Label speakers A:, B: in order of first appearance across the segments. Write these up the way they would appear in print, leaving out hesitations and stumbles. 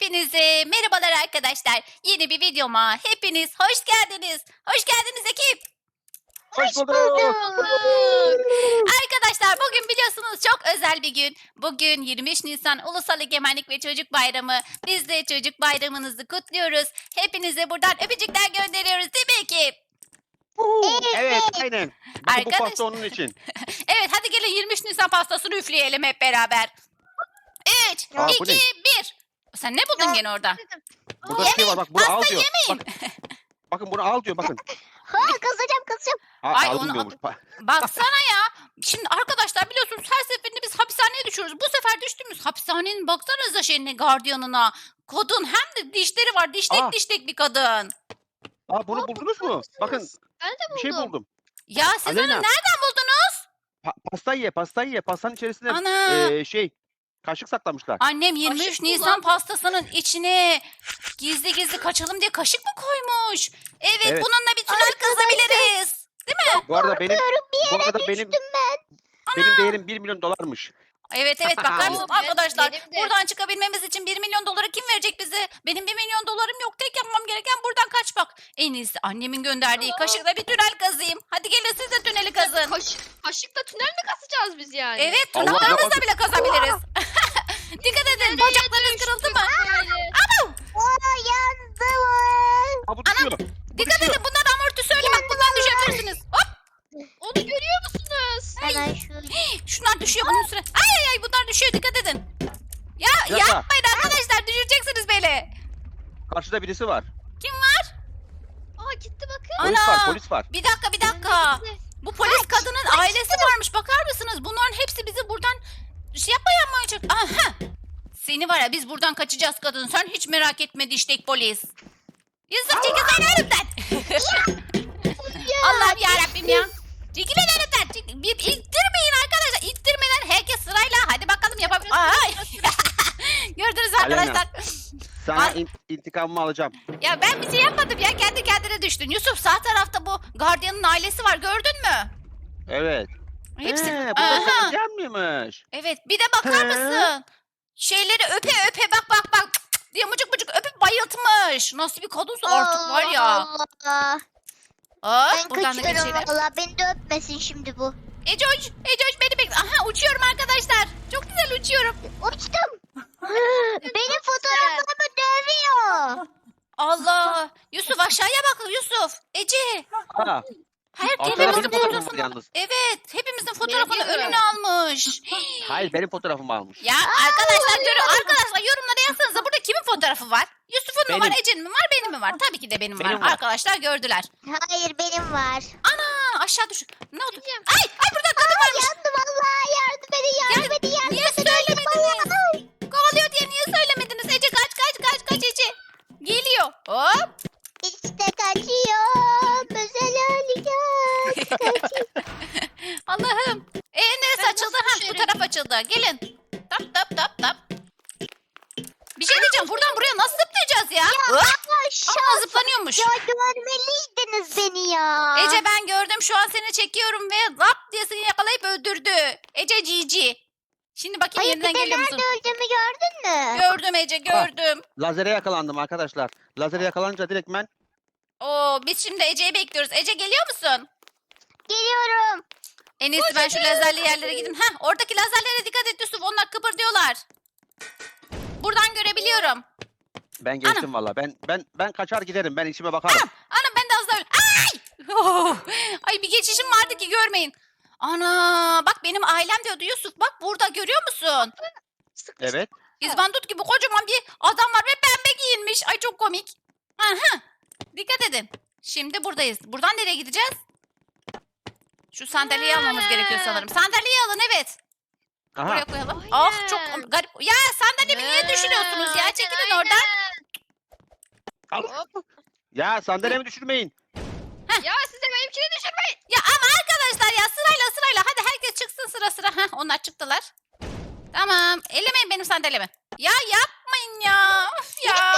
A: Hepinize merhabalar arkadaşlar. Yeni bir videoma hepiniz hoş geldiniz. Hoş geldiniz ekip.
B: Hoş bulduk.
A: Arkadaşlar bugün biliyorsunuz çok özel bir gün. Bugün 23 Nisan Ulusal Egemenlik ve Çocuk Bayramı. Biz de çocuk bayramınızı kutluyoruz. Hepinize buradan öpücükler gönderiyoruz değil mi ekip?
B: Evet, aynen. Bakın bu
A: Arkadaş-
B: pasta onun için.
A: Evet hadi gelin 23 Nisan pastasını üfleyelim hep beraber. 3,
B: Aa, bu
A: 2,
B: ne?
A: 1. Sen ne buldun gene orada?
B: Burada bir şey var, bak bunu al diyor.
A: yemeyin.
B: Bakın bunu al diyor, bakın.
C: Kızacağım.
A: Ay,
B: Alın
A: onu-
B: diyormuş.
A: Baksana ya. Şimdi arkadaşlar biliyorsunuz her seferinde biz hapishaneye düşüyoruz. Bu sefer düştüğümüz hapishanenin baksanıza şeyine, gardiyanına. Kadın hem de dişleri var. Dişlek
B: Aa.
A: dişlek bir kadın.
B: Bunu buldunuz mu? Bakın
C: Ben de buldum.
B: bir şey buldum.
A: Ya siz onu
B: Aleyna.
A: nereden buldunuz?
B: Pastayı ye. Pastanın içerisine
A: Ana.
B: kaşık saklamışlar.
A: Annem 23
C: Kaşık
A: Nisan
C: kullan.
A: pastasının içine gizli gizli kaçalım diye kaşık mı koymuş? Evet,
B: Evet.
A: bununla bir tünel kazabiliriz.
B: Bu arada benim
C: Bir yere
B: benim
C: düştüm ben.
B: değerim 1 milyon dolarmış.
A: Evet bakar mısınız
C: Evet,
A: arkadaşlar?
C: benim de.
A: Buradan çıkabilmemiz için 1 milyon doları kim verecek bize? Benim 1 milyon dolarım yok. Tek yapmam gereken buradan kaçmak. En iyisi annemin gönderdiği kaşıkla bir tünel kazayım. Hadi gelin siz de tüneli kazın.
C: Kaşıkla tünel mi kazacağız biz yani?
A: Evet
B: Allah
A: tırnaklarımızla
B: Allah.
A: bile kazabiliriz. Dikkat edin bacaklarınız kırıldı mı?
C: Yandım.
B: Bu düşüyor.
A: Dikkat edin bunlar amortisörlü bak bundan düşebilirsiniz. Hop
C: Onu görüyor musunuz?
D: Hemen şu
A: şunlar düşüyor bunun üstüne. Ay bunlar düşüyor dikkat edin. Ya
B: Bir dakika.
A: yapmayın arkadaşlar düşüreceksiniz beni.
B: Karşıda birisi var.
A: Kim var?
C: Aa gitti bakın.
A: Ana.
B: Polis var.
A: Bir dakika. Bu polis kadının ailesi varmış. Bakar mısınız? Bunların hepsi bizi buradan şey yapmaya çalışacak. Aha. Seni var ya biz buradan kaçacağız kadın. Sen hiç merak etme diştek polis. Yusuf çekil sen önümden. Allah'ım yarabbim ya. Çekil lan önümden. Bir ittirmeyin arkadaşlar. İttirmeden herkes sırayla. Hadi bakalım yapalım. Ay. Gördünüz mü
B: Aleyna.
A: arkadaşlar.
B: Sana
A: Al.
B: intikamımı alacağım.
A: Ya ben bir şey yapmadım ya. Kendi kendine düştün. Yusuf sağ tarafta bu gardiyanın ailesi var. Gördün mü?
B: Evet.
A: Hepsi.
B: Bu
A: Aha.
B: da gardiyan mıymış?
A: Evet bir de bakar
B: He.
A: mısın? Şeyleri öpe bak cık cık diye mıcık mıcık öpüp bayıltmış. Nasıl bir kadınsa artık var ya.
D: Allah.
A: Hop
D: Ben
A: buradan da
D: kaçıyorum
A: geçelim.
D: valla. Beni de öpmesin şimdi bu.
A: Ecoş beni bekle. Aha uçuyorum arkadaşlar. Çok güzel uçuyorum.
D: Uçtum. Benim fotoğraflarımı dövüyor.
A: Allah. Yusuf aşağıya bak Yusuf. Ece.
B: Aa,
A: Hepimizin
B: arkada benim fotoğrafım var
A: fotoğrafını.
B: yalnız.
A: Evet hepimizin fotoğrafını
C: Geliyorum.
A: önüne almış.
B: Hayır, benim fotoğrafımı almış.
A: Ya arkadaşlar yorumlara yazsanıza burada kimin fotoğrafı var? Yusuf'un mu var,
B: Benim.
A: Ece'nin mi var, benim mi var? Tabii ki de benim
B: Benim
A: var.
B: var.
A: Arkadaşlar gördüler.
D: Hayır benim var.
A: Ana aşağı düş. Ne oldu?
C: Gideceğim.
A: Ay burada kadın varmış.
D: Yandım valla. Yardım edin.
A: Niye söylemediniz? Kovalıyor diye niye söylemediniz? Ece kaç Ece. Geliyor. Hop.
D: İşte kaçıyorum. Özel harekat.
A: Allah'ım. Neresi
C: Ben
A: açıldı?
C: nasıl
A: Ha bu
C: düşerim?
A: taraf açıldı. Gelin. Tap. Bir şey diyeceğim. Buradan buraya nasıl zıplayacağız ya? Hop. Aa, zıplanıyormuş.
D: Ya görmeliydiniz beni ya.
A: Ece ben gördüm şu an seni çekiyorum ve lap diye seni yakalayıp öldürdü. Ece cici. Şimdi bakayım
D: Hayır bir
A: yeniden
D: de
A: geliyor
D: nerede
A: musun?
D: öldüğümü gördün mü?
A: Gördüm Ece gördüm.
B: Lazere yakalandım arkadaşlar. Lazere yakalanınca direkt ben
A: Oo biz şimdi Ece'yi bekliyoruz. Ece geliyor musun?
D: Geliyorum.
A: En iyisi ben şu lazerli yerlere gideyim. Heh oradaki lazerlere dikkat et Yusuf. Onlar kıpırdıyorlar. Buradan görebiliyorum.
B: ben geçtim valla. Ben kaçar giderim. Ben işime bakarım.
A: Ana ben de az daha öyle. Ay! Oh! Ay bir geçişim vardı ki görmeyin. Ana bak benim ailem diyordu Yusuf. Bak burada görüyor musun?
B: Evet.
A: İzbandut gibi kocaman bir adam var ve pembe giyinmiş. Ay çok komik. Aha. Dikkat edin. Şimdi buradayız. Buradan nereye gideceğiz? Şu sandalyeyi almamız gerekiyor sanırım. Sandalyeyi alın evet.
B: Aha.
A: Buraya koyalım.
C: Aynen.
A: Ah çok garip. Ya sandalyemi niye düşürüyorsunuz ya? Çekilin oradan.
B: Al. Ya sandalyemi düşürmeyin.
C: Ya size benimkini düşürmeyin.
A: Ya ama arkadaşlar ya sırayla. Hadi herkes çıksın sıra. Heh, onlar çıktılar. Tamam. Ellemeyin benim sandalyemi. Ya yapmayın ya. Of ya.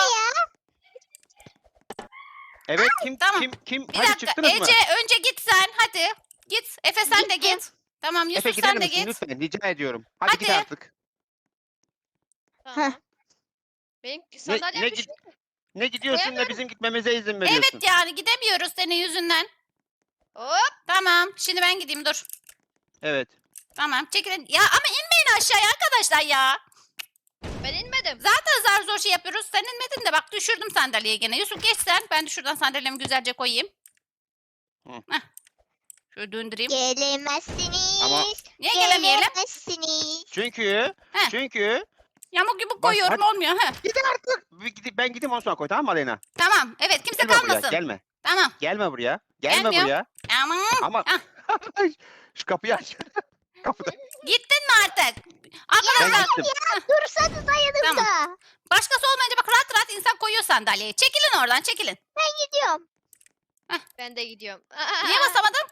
B: Evet kim
A: tamam.
B: kim
A: Bir
B: hadi
A: dakika.
B: çıktınız mı?
A: Ece önce git sen. Hadi. Git. Efe sen de
D: Gittim.
A: git. Tamam
B: Efe
A: Yusuf
B: gider
A: sen de
B: misin
A: git.
B: lütfen rica ediyorum. Hadi git
A: Hadi.
B: artık.
C: Tamam. Benim sandalyem
B: ne
C: düşmüş.
B: Ne gidiyorsun ne
C: Koyamıyorum.
B: bizim gitmemize izin veriyorsun.
A: Evet yani gidemiyoruz senin yüzünden.
C: Hop.
A: Tamam şimdi ben gideyim dur.
B: Evet.
A: Tamam çekilin. Ya ama inmeyin aşağıya arkadaşlar ya.
C: Ben inmedim.
A: Zaten zar zor şey yapıyoruz. Sen inmedin de bak düşürdüm sandalyeyi gene. Yusuf geç sen. Ben de şuradan sandalyemi güzelce koyayım.
B: Hı.
A: Heh. Şöyle döndüreyim.
D: Gelemezsiniz.
B: Ama-
A: Niye gelemeyelim?
D: Gelemezsiniz.
B: Çünkü
A: Heh. Yamuk yumuk koyuyorum
B: hadi.
A: olmuyor. Heh.
B: Gidin artık. Ben gideyim ondan sonra koy, tamam mı Aleyna?
A: Tamam evet kimse
B: Gelme buraya,
A: kalmasın.
B: gelme.
A: Tamam.
B: Gelme buraya. Gelme
A: Gelmiyor.
B: buraya.
A: Tamam.
B: Ama
A: Ah.
B: şu kapıyı aç. Kapıda.
A: Gittin mi artık?
B: Ben
A: Arkadaşlar
B: gittim.
D: Dursanız yanımda.
A: başkası olmayınca bak rahat rahat insan koyuyor sandalyeyi. Çekilin oradan çekilin.
D: Gidiyorum.
C: Ben de gidiyorum.
A: Niye basamadım?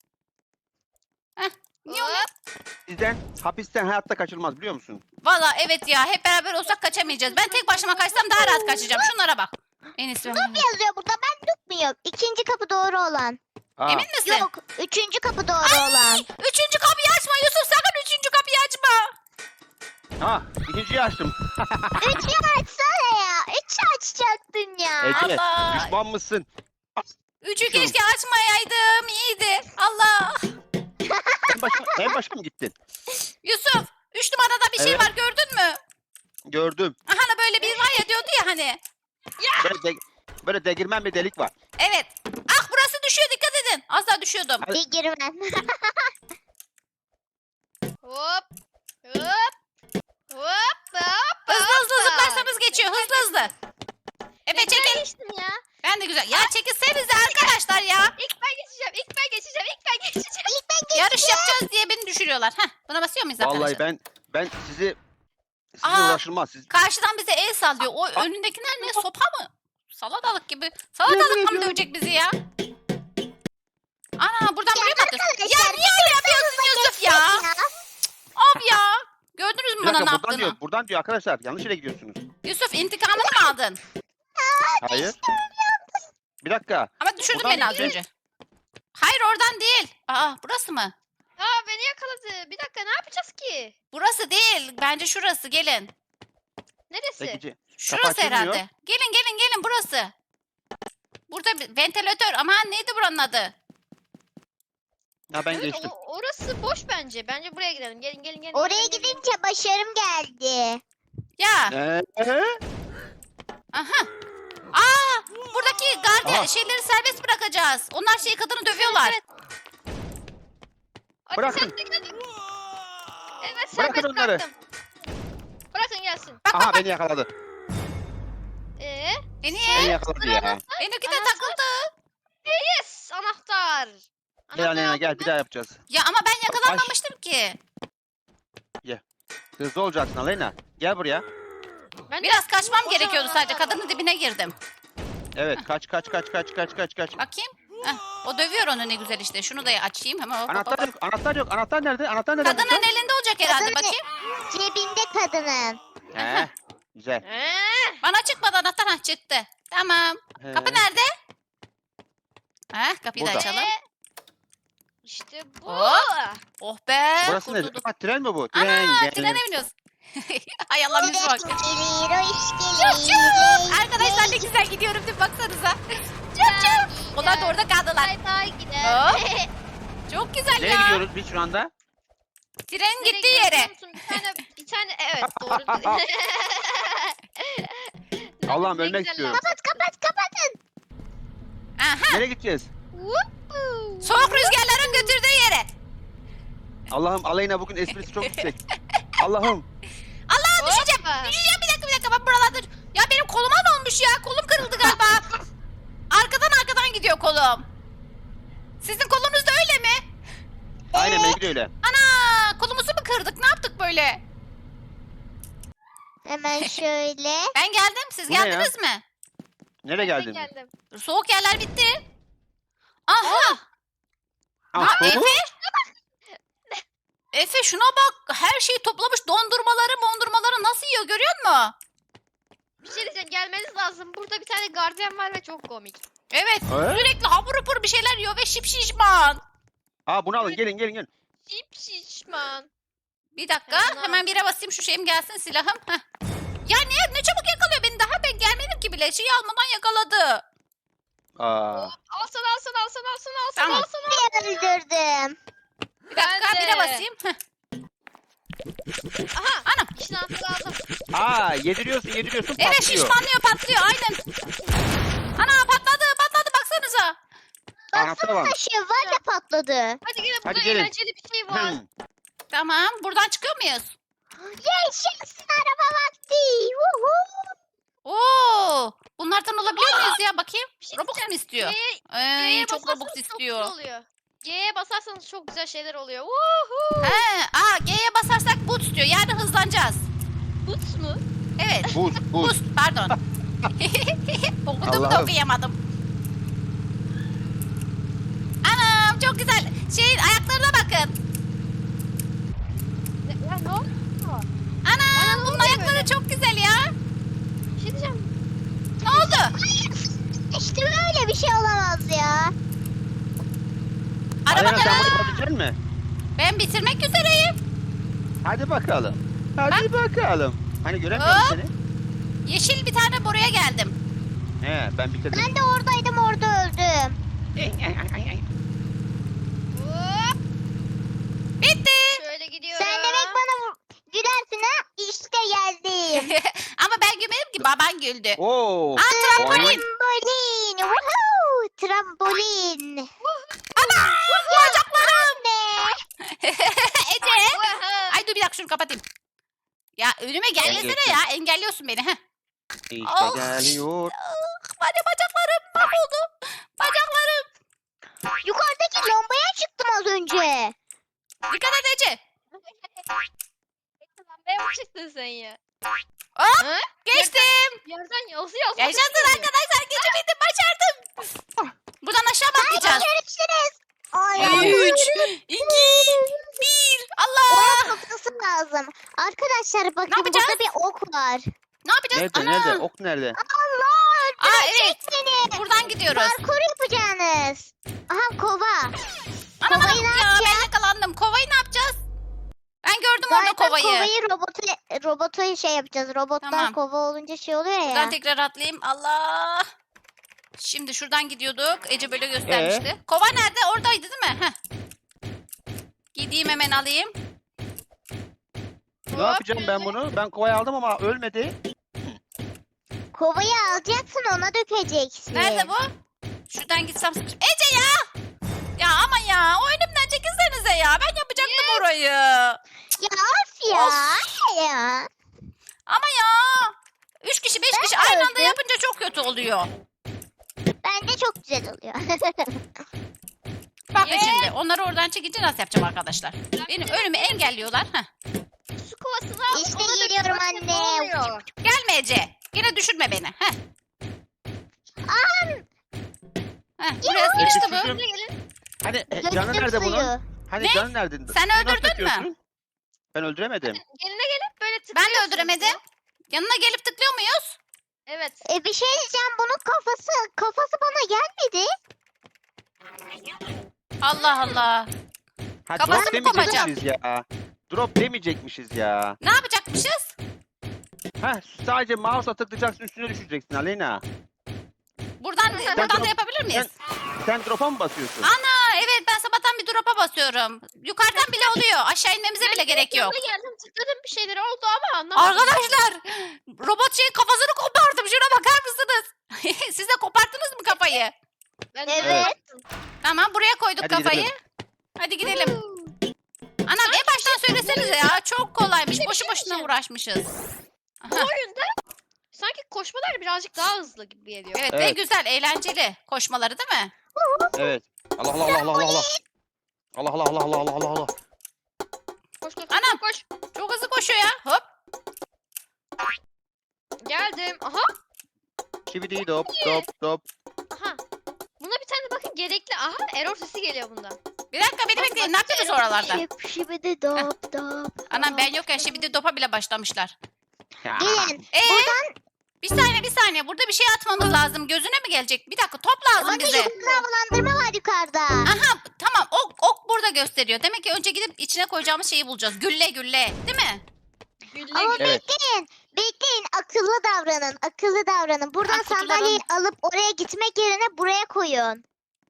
A: Niye oluyor?
B: Sizden hapisten hayatta kaçılmaz biliyor musun?
A: Valla evet ya hep beraber olsak kaçamayacağız. Ben tek başıma kaçsam daha rahat kaçacağım. Şunlara bak. En iyisi.
D: Yazıyor burada ben tutmuyorum. İkinci kapı doğru olan.
B: Aa,
A: Emin misin?
D: Yok. Üçüncü kapı doğru olan.
A: Üçüncü kapıyı açma Yusuf sakın üçüncü kapıyı açma.
B: Ha, ikinciyi açtım.
D: Üçü açsana ya. Üçü açacaktın ya.
B: Ece,
A: Allah.
B: düşman mısın?
A: Üçü
B: Şunu.
A: keşke açmayaydım. İyiydi. Allah.
B: En başa mı gittin?
A: Yusuf 3 numarada bir şey
B: Evet.
A: var gördün mü?
B: Gördüm.
A: Aha böyle bir var ya diyordu ya hani.
B: Böyle degirmen bir delik var.
A: Evet. Ah burası düşüyor dikkat edin. Az daha düşüyordum.
D: Bir girmen.
C: Hop. Hop. Hop. Hop.
A: Hızlı hızlı zıplarsanız geçiyor hızlı hızlı. Evet çekil.
C: Geçtim ya.
A: Ben de güzel. Ya çekilsenize arkadaşlar ya.
C: İlk ben geçeceğim. İlk ben geçeceğim. İlk ben geçeceğim.
A: Yarış yapacağız diye beni düşürüyorlar. Heh, buna basıyor muyuz arkadaşlar?
B: Vallahi ben sizinle
A: Aa.
B: uğraşılmaz. Siz
A: Karşıdan bize el sallıyor. O önündekiler ne sopa mı? Salatalık gibi. Salatalık mı
B: ediyorum.
A: dövecek bizi ya? Ana buradan buraya mı atıyorsun? Ya
D: arkadaşlar,
A: niye öyle yapıyorsun Yusuf ya? Of ya. Gördünüz mü
B: bir
A: bana
B: dakika
A: ne
B: buradan
A: yaptığını?
B: diyor. Buradan diyor arkadaşlar. Yanlış yere gidiyorsunuz.
A: Yusuf intikamını mı aldın?
B: Hayır. Bir dakika.
A: Ama düşürdün
B: Buradan
A: beni az
B: değil.
A: önce. Hayır oradan değil. Aa burası mı?
C: Aa beni yakaladı. Bir dakika ne yapacağız ki?
A: Burası değil. Bence şurası. Gelin.
C: Neresi?
B: Peki.
A: Şurası
B: açılmıyor.
A: herhalde. Gelin gelin gelin burası. Burada bir ventilatör. Aman neydi buranın adı?
B: Ha ben
C: Evet,
B: geçtim.
C: orası boş bence. Bence buraya gidelim. Gelin gelin gelin.
D: Oraya
C: gelin, gelin.
D: gidince başarım geldi.
A: Ya. Aha. Aa, buradaki gardiyan
B: Aha.
A: şeyleri serbest bırakacağız. Onlar şey kadını dövüyorlar.
C: Evet. Hadi
B: Bırakın.
C: sen de gel. Evet
B: Bırakın
C: serbest
B: onları.
C: bıraktım. Bırakın gelsin.
A: Bak
B: Aha
A: bak bak.
B: beni yakaladı.
A: E niye?
B: Beni yakaladı ya.
A: Benimki de
C: Anahtar.
A: takıldı.
C: Yes anahtar.
B: Gel Aleyna
C: aldım
B: gel
C: ben.
B: bir daha yapacağız.
A: Ya ama ben yakalanmamıştım ki.
B: Hızlı olacaksın Aleyna. Gel buraya.
C: Ben de-
A: Biraz kaçmam gerekiyordu sadece. Kadının dibine girdim.
B: Evet kaç.
A: Bakayım. Heh, o dövüyor onu ne güzel işte. Şunu da açayım. Hemen hop, hop,
B: Anahtar
A: hop.
B: yok. Anahtar yok. Anahtar nerede? Anahtar nerede?
A: Kadının elinde olacak herhalde.
D: Kadın-
A: Bakayım.
D: Cebinde kadının.
B: He. Güzel.
A: Bana çıkmadı anahtar. Hah, çıktı. Tamam.
B: He.
A: Kapı nerede? Heh, kapıyı da
B: Burada.
A: açalım.
C: İşte bu.
A: Hop. Oh be.
B: Burası ne?
A: kurtulduk.
B: Ha, tren mi bu?
A: Ana trene biniyoruz. Hay Allah bizi bak.
D: Gelir hoş gelir.
A: Arkadaşlar ne güzel gidiyorum değil mi? Baksanıza. Çöp çöp. Onlar da orada kaldılar.
C: Bay bay gidelim.
A: Çok güzel
B: Nereye
A: ya.
B: gidiyoruz biz şu anda?
A: Trenin
C: Nereye
A: gittiği
C: gidiyoruz
A: yere.
C: biliyor musun? Bir tane evet doğru.
B: Allah'ım
C: Ne
B: ölmek
C: güzel
B: istiyorum.
D: Kapatın.
A: Aha.
B: Nereye gideceğiz?
C: Whoopoo.
A: Soğuk rüzgarların götürdüğü yere.
B: Allah'ım Aleyna bugün esprisi çok yüksek. Allah'ım.
A: Allah düşeceğim.
C: Hoppa.
A: Düşeceğim bir dakika ben buralarda. Ya benim koluma ne olmuş ya? Kolum kırıldı galiba. arkadan gidiyor kolum. Sizin kolunuz da öyle mi?
B: Aynen benimki de öyle.
A: Ana kolumuzu mu kırdık? Ne yaptık böyle?
D: Hemen şöyle.
A: Ben geldim. Siz
B: Bu ne ya?
A: geldiniz mi?
B: Nereye
C: Ben
B: geldin?
C: geldim.
A: Soğuk yerler bitti. Aha.
B: Ah,
A: Efe? Efe şuna bak. Her şeyi toplamış. Dondurmaları nasıl yiyor görüyor musun?
C: Bir şey diyeceğim gelmeniz lazım. Burada bir tane gardiyan var ve çok komik.
A: Evet.
B: He?
A: Sürekli hapur hapur bir şeyler yiyor ve şişman.
B: Aa bunu alın gelin.
C: Şip şişman.
A: Bir dakika.
C: Hemen al.
A: Hemen bire basayım şu şeyim gelsin silahım. Heh. Ya ne çabuk yakalıyor bile şeyi almadan yakaladı.
B: Aa.
C: Al sana.
A: Tamam.
D: Bir öldürdüm.
A: Bir dakika
C: Ben de.
A: bire basayım. Heh.
C: Aha.
A: Anam.
C: İşin altına aldım.
B: Aa, yediriyorsun
A: Evet
B: patlıyor.
A: şişmanlıyor patlıyor aynen. Ana patladı baksanıza.
B: Anahtar var.
D: Taşı var ya patladı.
C: Hadi gelin burada
B: Hadi gelin.
C: eğlenceli bir şey var.
A: Tamam buradan çıkıyor muyuz?
D: Yaşasın araba vakti. Woohoo.
A: Oo, bunlardan olabiliyor muyuz ya bakayım.
C: Bir şey
A: Robux mu istiyor?
C: G'ye
A: Çok
C: basarsanız
A: Robux
C: çok
A: istiyor.
C: güzel oluyor. G'ye basarsanız çok güzel şeyler oluyor. Woohoo.
A: G'ye basarsak boost diyor. Yani hızlanacağız.
C: Boots mu?
A: Evet.
B: Buz.
A: Boost pardon. Okudum da
B: Allah'ım.
A: okuyamadım. Anam çok güzel. Şeyin ayaklarına bakın.
C: Ya ne oldu?
A: Anam bunun ayakları çok güzel ya.
C: Bir şey diyeceğim.
A: Ne oldu?
D: İşte böyle bir şey olamaz ya.
A: Araba
B: Aleyna sen
A: da.
B: bunu yapabilecek misin?
A: Ben bitirmek üzereyim.
B: Hadi bakalım. Hadi bakalım. Hani göremiyorum
A: Hop.
B: seni.
A: Yeşil bir tane buraya geldim.
B: He, ben bitirdim.
D: Ben de oradaydım, orada öldüm.
C: Hop.
A: Bitti.
C: Şöyle gidiyorum.
D: Sen demek bana gülersin ha? İşte geldim.
A: Ama ben gülmedim ki baban güldü.
B: Oo.
A: Trambolin.
D: Trambolin. Woohoo. Trambolin.
A: Ana bacaklarım.
D: Ne?
A: Ece.
C: Oha.
A: Ay dur bir dakika şunu kapatayım. Ya önüme gelmesene ya engelliyorsun beni. Heh.
B: İşte
A: Oh.
B: geliyor.
A: Hadi bacaklarım mahvoldu. Bacaklarım.
D: Yukarıdaki lambaya çıktım az önce.
A: Dikkat et Ece.
C: Lambaya mı çıktın sen ya?
A: Hop
C: Ha?
A: geçtim.
C: Yerden yazıyor.
A: Yaşasın arkadaşlar geçebildim başardım. Buradan aşağı mı atlayacağız?
D: Görüşürüz. Ay,
A: 3, 2, 1. Allah.
D: Ona tutması lazım. Arkadaşlar bakın
A: yapacağız?
D: burada bir ok var.
A: Ne yapacağız?
B: Nerede
A: Ana.
B: nerede? Ok nerede?
D: Allah
A: Aa
D: öldürecek
A: evet.
D: beni.
A: Buradan gidiyoruz.
D: Parkur yapacaksınız. Aha kova.
A: Ana
D: Kovayı ne
A: ya
D: yapacağız?
A: ben yakalandım. Kovayı ne yapacağız? Ben gördüm orada
D: Galiba
A: kovayı.
D: robotu şey yapacağız. Robotlar
A: Tamam.
D: kova olunca şey oluyor ya.
A: Buradan tekrar atlayayım. Allah. Şimdi şuradan gidiyorduk. Ece böyle göstermişti. Kova nerede? Oradaydı değil mi? Heh. Gideyim hemen alayım.
B: Ne yapacağım ben bunu? Ben kovayı aldım ama ölmedi.
D: Kovayı alacaksın, ona dökeceksin.
A: Nerede bu? Şuradan gitsem. Ece ya! Ya ama ya o önümden çekilsenize ya. Ben yapacaktım orayı.
D: Ya of ya.
A: Of.
D: Ya.
A: Ama ya. 3 kişi 5 kişi aynı anda
D: öldüm.
A: yapınca çok kötü oluyor.
D: Bence çok güzel oluyor.
A: Bakın şimdi onları oradan çekince nasıl yapacağım arkadaşlar? Benim önümü engelliyorlar. Heh.
C: Su kovasını al.
D: İşte
C: ona da bir
D: geliyorum
C: bakın ne
D: anne.
C: oluyor.
A: Gelme Ece. Yine düşürme beni. Heh. Buraya sıkıştı bu.
B: Düşürdüm.
C: Buraya gelin.
B: Hani
D: Döktüm
B: canı nerede
D: suyu.
B: bunun? Hani
A: Ne?
B: canı nerede?
A: Sen
B: Nasıl
A: öldürdün mü?
B: yapıyorsun? Ben öldüremedim.
C: Geline gelip böyle
A: Ben de
C: tıklıyorsunuz
A: öldüremedim.
C: ya.
A: Yanına gelip tıklıyor muyuz?
C: Evet.
D: Bir şey diyeceğim, bunun kafası bana gelmedi.
A: Allah Allah.
B: Ha,
A: Kafasını
B: drop demeyecekmişiz
A: kopacağım.
B: ya. Drop demeyecekmişiz ya.
A: Ne yapacakmışız?
B: Ha, sadece mouse'a tıklayacaksın, üstüne düşeceksin Aleyna.
A: Buradan da yapabilir miyiz?
B: Sen drop'a mı basıyorsun?
A: Ana evet ben sabahtan bir drop'a basıyorum. Yukarıdan bile oluyor. Aşağı inmemize bile gerek yok.
C: Yanına geldim tıkladım bir şeyler oldu ama anlamadım.
A: Arkadaşlar robot şeyin kafasını kopardım. Şuna bakar mısınız? Siz de koparttınız mı kafayı?
C: Ben
D: Evet.
A: Tamam buraya koyduk
B: Hadi
A: kafayı.
B: gidelim.
A: Hadi gidelim. Anam en baştan söylesenize ya. Çok kolaymış.
C: Bir
A: Boşu
C: şey
A: boşuna
C: diyeceğim.
A: uğraşmışız.
C: Bu oyunda sanki koşmalar birazcık daha hızlı gibi geliyor.
A: Evet, ve
B: Evet.
A: güzel, eğlenceli koşmaları değil mi?
B: Evet. Allah Allah Allah Allah Allah. Allah Allah Allah Allah Allah Allah Allah.
C: Koş koş
A: Anam.
C: koş.
A: Çok hızlı koşuyor ya. Hop.
C: Geldim. Aha.
B: Şibidi dop dop dop.
C: Aha. Buna bir tane bakın gerekli. Aha error sesi geliyor bundan.
A: Bir dakika beni bekleyin. Ne yapıyorsunuz oralarda?
D: Şibidi dop dop.
A: Anam ben yokken şimdi de dopa bile başlamışlar.
B: Ya.
D: Gelin.
A: Bir saniye. Burada bir şey atmamız lazım. Gözüne mi gelecek? Bir dakika top lazım
D: Bakın
A: bize.
D: yukarıda havalandırma var yukarıda.
A: Aha tamam ok burada gösteriyor. Demek ki önce gidip içine koyacağımız şeyi bulacağız. Gülle değil mi?
C: Gülle
D: Ama
C: gülle.
B: Evet.
D: bekleyin. Akıllı davranın. Buradan
A: Ha, kutuları
D: sandalyeyi alıp oraya gitmek yerine buraya koyun.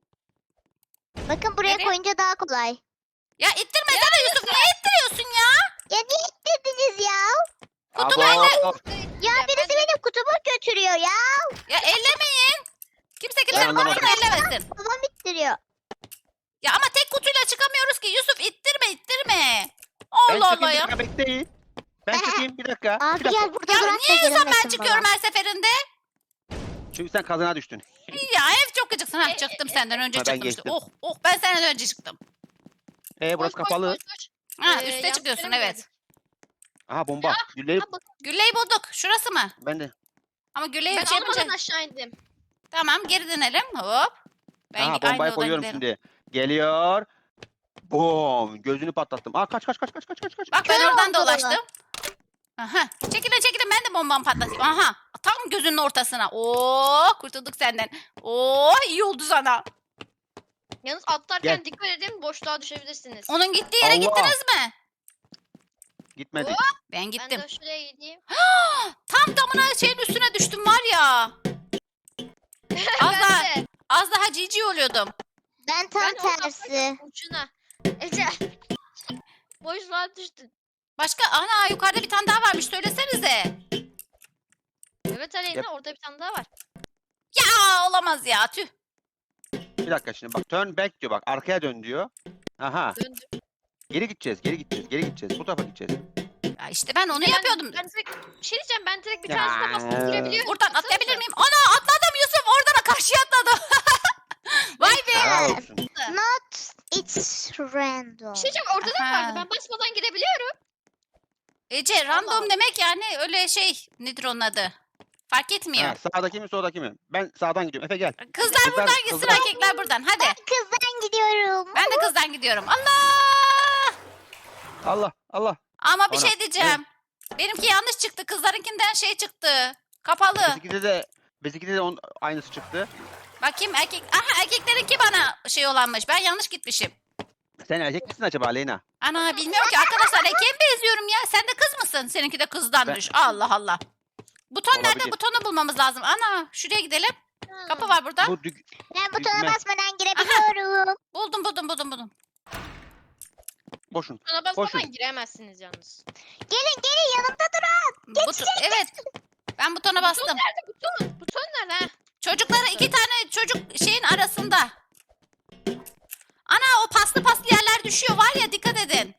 D: Bakın buraya
A: Nereye?
D: koyunca daha kolay.
A: Ya ittirmesene Yusuf. Niye ittiriyorsun ya?
D: Ya niye ittirdiniz ya?
A: Kutu
B: Abo.
A: bende.
D: Ya birisi benim kutumu götürüyor ya.
A: Ya ellemeyin. Kimse
B: Ben
A: kimsenin
B: anlamadım.
A: kutusunu ellemesin.
D: Babam ittiriyor.
A: Ya ama tek kutuyla çıkamıyoruz ki. Yusuf ittirme.
B: Ben
A: Allah
B: çıkayım
A: Allah
B: bir
A: ya.
B: dakika bekleyin. Ben çıkayım bir dakika.
D: Abi
B: Bir dakika.
D: gel burada
A: Ya
D: bırak da
A: niye Yusuf ben
D: gerilmesin
A: çıkıyorum
D: bana.
A: her seferinde?
B: Çünkü sen kazana düştün.
A: Ya ev çok gıcıksın. Ha, çıktım senden önce
B: Ha, ben
A: çıktım işte.
B: geçtim.
A: Oh ben senden önce çıktım.
B: Burası kapalı.
C: Koş.
A: Ha
C: Ee,
A: üste
C: yanlış
A: çıkıyorsun
C: yere mi
A: evet.
C: geldik?
B: Aha bomba. Gülleyi
C: Ha, bak,
A: Gülleyi bulduk. Şurası mı?
B: ben de.
A: Ama Gülleyi
C: ben
A: şey yapınca...
C: almadan aşağı indim.
A: Tamam geri dönelim. Hop. Ben
B: Aha
A: aynı
B: bombayı
A: odan
B: koyuyorum
A: giderim.
B: şimdi. Geliyor. Bom. Gözünü patlattım. Aa kaç.
A: Bak ben
D: Kör
A: oradan
D: oldu.
A: dolaştım. Aha. Çekilin ben de bombamı patlatayım. Aha. Tam gözünün ortasına. Oo kurtulduk senden. Oo iyi oldu sana.
C: Yalnız atlarken
B: Gel.
C: dikkat edin boşluğa düşebilirsiniz.
A: Onun gittiği yere
B: Allah.
A: gittiniz mi?
B: Gitmedik.
A: Ben
C: Ben
A: gittim.
C: de şuraya gideyim.
A: Tam tamına şeyin üstüne düştüm var ya. Az
C: Ben
A: daha,
C: de.
A: az daha cici oluyordum.
D: Ben tam
C: Ben o
D: tersi.
C: Ucuna. Ece. Boşluğa düştün.
A: Başka ana yukarıda bir tane daha varmış söylesenize.
C: Evet Aleyna
B: Yap.
C: orada bir tane daha var.
A: Ya olamaz ya tüh.
B: Bir dakika şimdi bak turn back diyor bak arkaya dön diyor. Aha
C: Döndüm.
B: geri gideceğiz bu tarafa gideceğiz.
A: Ya işte ben onu
C: Yani
A: yapıyordum.
C: Ben direkt, bir şey diyeceğim ben direkt bir
B: Ya.
C: tanesine bastım girebiliyorum.
A: Buradan
C: Baksanıza.
A: atlayabilir miyim? Ana atladım Yusuf oradan karşıya atladım. Vay be.
B: Helal olsun.
D: Not it's random.
C: Bir şey diyeceğim orada da
A: Aha.
C: vardı ben basmadan girebiliyorum.
A: Ece random
C: Allah.
A: demek yani öyle şey nedir onun adı? Fark etmiyor.
B: Ha, sağdaki mi soldaki mi? Ben sağdan gidiyorum. Efe gel.
A: Kızlar
B: Kızlar-
A: buradan gitsin
B: kızlar-
A: erkekler buradan hadi.
D: Kızdan gidiyorum.
A: Ben de kızdan gidiyorum. Allah!
B: Allah.
A: Ama bir
B: Ana,
A: şey diyeceğim. Benimki yanlış çıktı. Kızlarınkinden şey çıktı. Kapalı.
B: Bizimkide de aynısı çıktı.
A: Bakayım erkek. Aha erkeklerinki bana şey olanmış. Ben yanlış gitmişim.
B: Sen erkek misin acaba Aleyna?
A: Ana bilmiyorum ki arkadaşlar erkeğe mi benziyorum ya? Sen de kız mısın? Seninki de kızdanmış. Allah Allah. Buton nerede?
B: Olabilir.
A: Butonu bulmamız lazım. Ana şuraya gidelim. Kapı var burada.
B: Bu
D: Ben butona
B: Düğme.
D: basmadan girebiliyorum.
A: Buldum.
B: boşun.
C: Bana basmadan
B: Koşun.
C: giremezsiniz yalnız.
D: Gelin yanımda durun.
A: Evet. Ben butona bastım.
C: Buton nerede buton? Buton nerede? Ha?
A: Çocuklara 2 tane çocuk şeyin arasında. Ana o paslı yerler düşüyor var ya dikkat edin.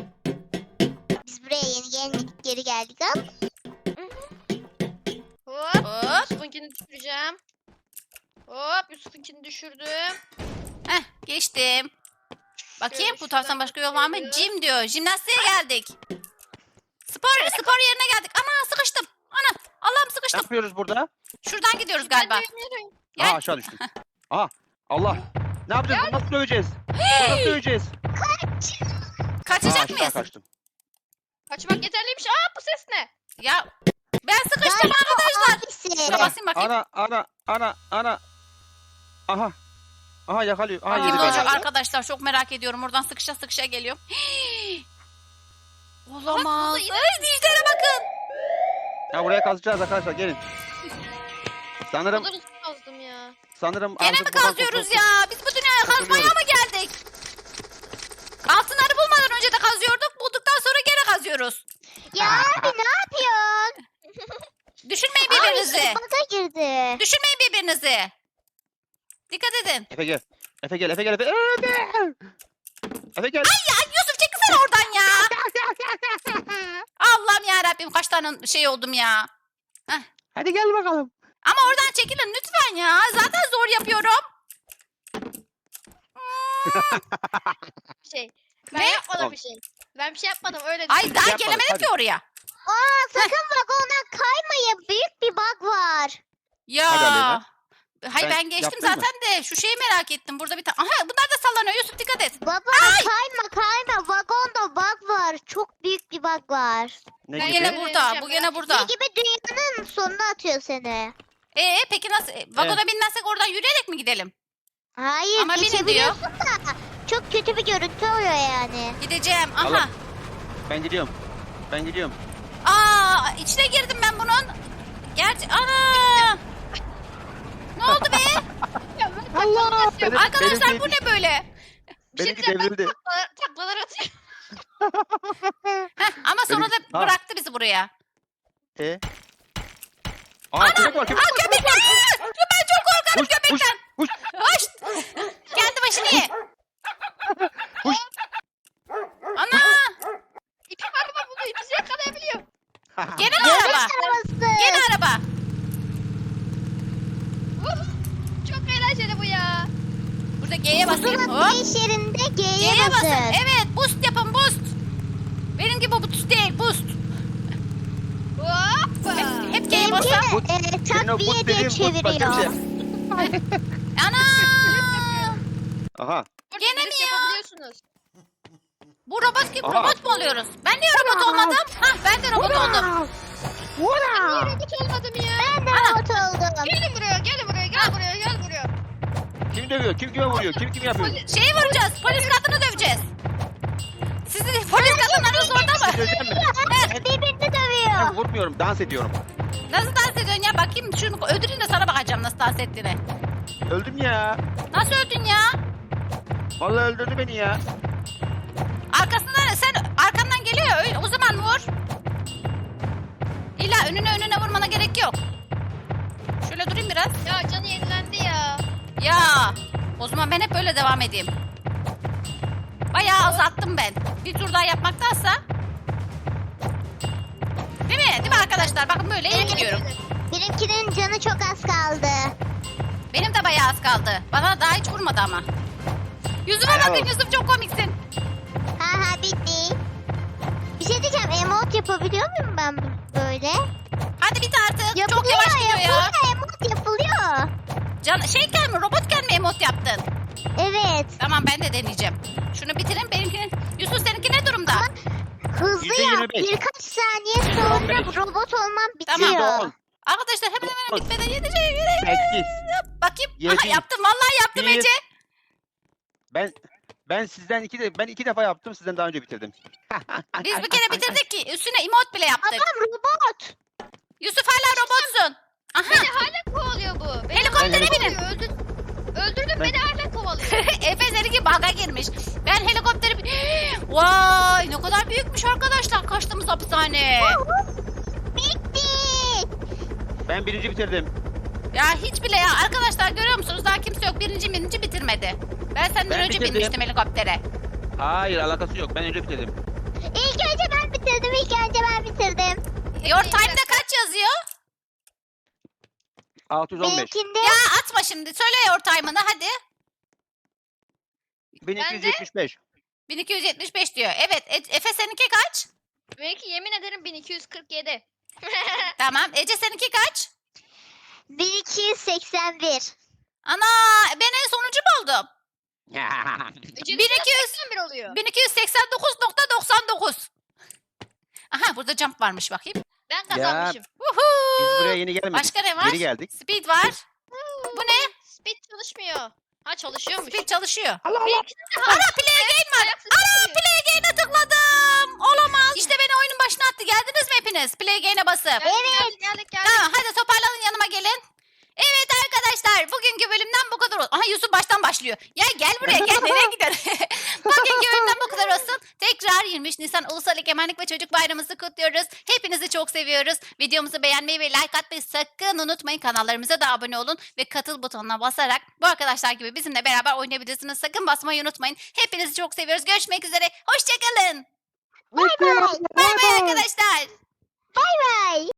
D: Biz buraya geri geldik ama.
C: Hop.
A: Hop.
C: Yusuf'unkini düşüreceğim. Hop Yusuf'unkini düşürdüm.
A: Heh geçtim. Bakayım
C: Şöyle
A: bu taraftan
C: şuradan
A: başka yol var mı?
C: şöyle.
A: Jim diyor. Jimnastiğe geldik. Spor yerine geldik. Ana sıkıştım. Ana Allah'ım
B: Ne
A: sıkıştım.
B: yapıyoruz burada?
A: Şuradan gidiyoruz galiba.
C: Ben de yürüyorum.
A: Gel.
B: Aa aşağı düştüm. Aha Allah. Ne yapacağız? Bunu nasıl döveceğiz? Nasıl döveceğiz?
A: Kaçacak
B: aşağı
A: mıyız?
B: kaçtım.
C: Kaçmak yeterliymiş. Aa bu ses ne?
A: Ya ben sıkıştım
D: Galiba
A: arkadaşlar.
D: abisi.
A: Şuna basayım bakayım.
B: Ana. Aha yakalıyor. Aha
A: Aa,
B: yedi
A: ne
B: beni.
A: olacak arkadaşlar çok merak ediyorum. Oradan sıkışa geliyorum. Olamaz.
C: burada yine-
A: Ay dişlere bakın.
B: Ya buraya kazacağız arkadaşlar gelin. Sanırım
C: Kadar uzun kazdım ya.
A: Gene
B: artık
A: mi
B: buradan
A: kazıyoruz
B: kurtul-
A: ya? Biz bu dünyaya kazmaya mı geldik? Altınları bulmadan önce de kazıyorduk. Bulduktan sonra gene kazıyoruz.
D: Ya abi ne yapıyorsun?
A: Düşünmeyin
D: Ay
A: birbirinizi.
D: baga girdi.
A: Düşünmeyin birbirinizi. Dikkat edin.
B: Efe gel. Efe gel. Efe gel.
A: Ya Yusuf çekilsene oradan ya. Allah'ım ya Rabbim kaç tane şey oldum ya.
B: Hadi gel bakalım.
A: Ama oradan çekilin lütfen ya. Zaten zor yapıyorum.
C: Bir şey. Ben
A: Ne?
C: yapmadım
B: Oğlum.
C: bir şey. Ben bir şey yapmadım öyle
A: Ay
C: düşün.
A: daha
B: Yapmadık,
A: gelemedim
B: hadi.
A: ki oraya.
D: Aa sakın vagondan kaymayın. Büyük bir bug var.
A: Ya.
B: Hadi Aleyna.
A: Hayır
B: Ben
A: ben geçtim
B: yaptın mı?
A: zaten de şu şeyi merak ettim. Burada bir tane. Aha bunlar da sallanıyor. Yusuf dikkat et.
D: Baba kayma. Vagonda bug var. Çok büyük bir bug var.
B: Ne
C: Ben
A: Bu
B: gibi?
A: gene
C: gibi?
A: burada. Bu gene burada.
D: Ne gibi dünyanın sonuna atıyor seni.
A: Peki nasıl? Vagona binmezsek oradan yürüyerek mi gidelim?
D: Hayır
A: Ama binin
D: geçebiliyorsun da çok kötü bir görüntü oluyor yani.
A: Gideceğim. Aha.
B: Allah. Ben gidiyorum.
A: Aa, içine girdim ben bunun. Gerçi ana. Ne oldu be?
C: Ya ben
B: Allah!
C: taklalar atıyorum.
A: Arkadaşlar bu ne böyle?
C: Bir şey
B: Benimki
C: diyeceğim, ben
B: devrildi.
C: taklalar atıyorum.
A: Heh, ama sonra da
B: Benimki- Ha.
A: bıraktı bizi buraya.
B: Aa köpek var, köpek
A: Aa, köpek! Aa! Ben çok korkarım
B: Uş,
A: köpekten.
B: uş.
A: Hoş. Kendi başını ye.
B: Uş.
A: Ana.
C: İpi var mı bunu? İpi yakalayabiliyor.
A: Gene
D: Yarış
A: araba.
D: arabası.
A: Gene araba.
C: Çok eğlenceli bu ya.
A: Burada G'ye basayım.
D: Pusula
A: Hop.
D: finish yerinde G'ye
A: G'ye basın.
D: basın.
A: Evet, boost yapın boost. Benim gibi boost değil, boost.
C: Hoppa.
A: Hep G'ye
D: Benimki
A: basın.
B: Bu- Senin o
D: takviye
B: buz
D: diye
B: dediğin buz başka bir şey.
D: çeviriyor.
A: Ana.
B: Aha.
C: Burada
A: Gene mi
C: drift
A: ya?
C: yapabiliyorsunuz.
A: Bu robot gibi
B: Aha.
A: robot mu oluyoruz? Ben niye robot olmadım? Hah, ben de robot oldum.
C: Niye robot olmadım ya?
D: Ben de robot oldum.
C: Gelin buraya, gelin buraya, gel buraya, gel buraya.
B: Kim dövüyor? Kim kime vuruyor? Kim yapıyor?
A: Şeyi vuracağız, polis kadını döveceğiz. Sizin polis kadınlarınız orada mı?
B: Döveceğim mi?
D: Birbirini
B: Ben
D: dövüyor.
B: vurmuyorum, dans ediyorum.
A: Nasıl dans ediyorsun ya? Bakayım şunu öldürün de sana bakacağım nasıl dans ettiğini.
B: Öldüm ya.
A: Nasıl öldün ya?
B: Vallahi öldürdü beni ya.
A: Arkasından sen arkandan geliyor o zaman vur. İlla önüne vurmana gerek yok. Şöyle durayım biraz.
C: Ya canı yenilendi ya.
A: Ya o zaman ben hep böyle devam edeyim. Bayağı azalttım ben. Bir tur daha yapmaktansa. Değil mi? Değil mi arkadaşlar? Bakın böyle iyi gidiyorum.
D: Benimkinin canı çok az kaldı.
A: Benim de bayağı az kaldı. Bana daha hiç vurmadı ama. Yüzüme
B: Bravo.
A: bakın Yusuf çok komiksin.
D: Ha bitti. Bir şey diyeceğim, emote yapabiliyor muyum ben böyle?
A: Hadi bit artık. Çok
D: Yapılıyor,
A: yavaş gidiyor ya.
D: yapılıyor, emote yapılıyor.
A: Şeyken mi robotken mi emot yaptın?
D: Evet.
A: Tamam ben de deneyeceğim. Şunu bitirin benimkini. Yusuf seninki ne durumda?
D: Hızlı yap.
B: %25.
D: Birkaç saniye sonra robot olmam
A: Tamam.
D: bitiyor.
B: %10.
A: Arkadaşlar hemen
B: Dokuz.
A: bitmeden yeteceğim.
B: 8.
A: Bakayım.
B: Yedi.
A: Aha yaptım. Vallahi yaptım
B: Bir.
A: Ece.
B: Ben sizden ben iki defa yaptım, sizden daha önce bitirdim.
A: Biz bir kere bitirdik ki. Üstüne emot bile yaptık.
D: Adam robot.
A: Yusuf hala robotsun. Aha.
C: Beni hala kovalıyor bu. Beni
A: Helikoptere
C: hala
A: binin.
C: kovalıyor. Öldürdüm beni hala kovalıyor.
A: Efe seninki baga girmiş. Ben helikopteri... Vay ne kadar büyükmüş arkadaşlar kaçtığımız hapishane.
D: Bitti.
B: Ben birinci bitirdim.
A: Ya hiç bile ya arkadaşlar görüyor musunuz daha kimse yok. Birinci bitirmedi. Ben senden
B: Ben
A: önce
B: bitirdim.
A: binmiştim helikoptere.
B: Hayır, alakası yok. Ben önce bitirdim.
D: İlk önce ben bitirdim.
A: Your time'da kaç yazıyor?
B: 615.
D: Benimkinde
A: Ya atma şimdi. Söyle your time'ını hadi.
B: 1275.
A: 1275 diyor. Evet. Efe seninki kaç?
C: Belki yemin ederim 1247.
A: Tamam. Ece seninki kaç?
D: 1281.
A: Ana ben en sonuncu mu oldum?
C: 1281 oluyor.
A: 1289.99. Aha burada jump varmış bakayım.
C: Ben kazanmışım.
A: Woohoo!
B: Biz buraya yeni gelmedik.
A: Başka ne var?
B: Geri geldik.
A: Speed var. Bu ne?
C: Speed çalışmıyor. Ha çalışıyormuş.
A: Speed çalışıyor.
C: Benimkinde de
A: Ana play again var.
C: Ayak sesi
A: Ana
C: geliyor.
A: play again'e tıkladım. Olamaz. İşte beni oyunun başına attı. Geldiniz mi hepiniz? Play again'e basıp.
C: Geldik.
A: Tamam hadi toparlanın yanıma gelin. Evet arkadaşlar bugünkü bölümden bu kadar olsun. Aha Yusuf baştan başlıyor. Ya gel buraya gel nereye gidiyorsun? Bugünkü bölümden bu kadar olsun. Tekrar 23 Nisan Ulusal Egemenlik ve Çocuk Bayramımızı kutluyoruz. Hepinizi çok seviyoruz. Videomuzu beğenmeyi ve like atmayı sakın unutmayın. Kanallarımıza da abone olun ve katıl butonuna basarak bu arkadaşlar gibi bizimle beraber oynayabilirsiniz. Sakın basmayı unutmayın. Hepinizi çok seviyoruz. Görüşmek üzere. Hoşçakalın.
D: Bay bay.
A: Bay bay arkadaşlar.
D: Bay bay.